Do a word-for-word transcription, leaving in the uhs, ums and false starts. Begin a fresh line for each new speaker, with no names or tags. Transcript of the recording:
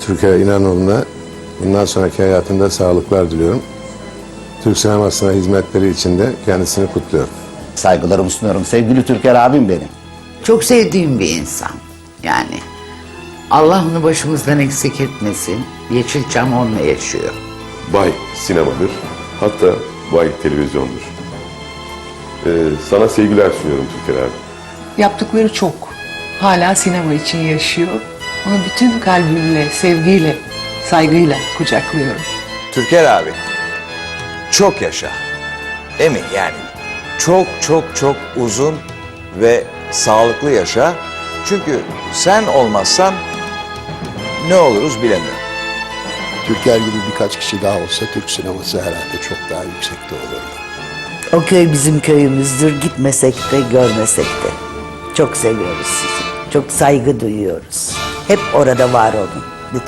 Türker İnanoğlu'na bundan sonraki hayatında sağlıklar diliyorum. Türk sinemasına hizmetleri için de kendisini kutluyorum.
Saygılarımı sunuyorum. Sevgili Türker abim benim.
Çok sevdiğim bir insan. Yani Allah onu başımızdan eksik etmesin. Yeşilçam onunla yaşıyor.
Bay sinemadır, hatta Bay televizyondur. Ee, sana sevgiler sunuyorum Türker abi.
Yaptıkları çok. Hala sinema için yaşıyor. Onu bütün kalbimle, sevgiyle, saygıyla kucaklıyorum.
Türker abi, çok yaşa. Değil mi yani? Çok çok çok uzun ve sağlıklı yaşa. Çünkü sen olmazsan ne oluruz bilemiyorum.
Türker gibi birkaç kişi daha olsa Türk sineması herhalde çok daha yüksekte olurdu.
O köy bizim köyümüzdür. Gitmesek de görmesek de. Çok seviyoruz sizi. Çok saygı duyuyoruz. Hep orada var olun.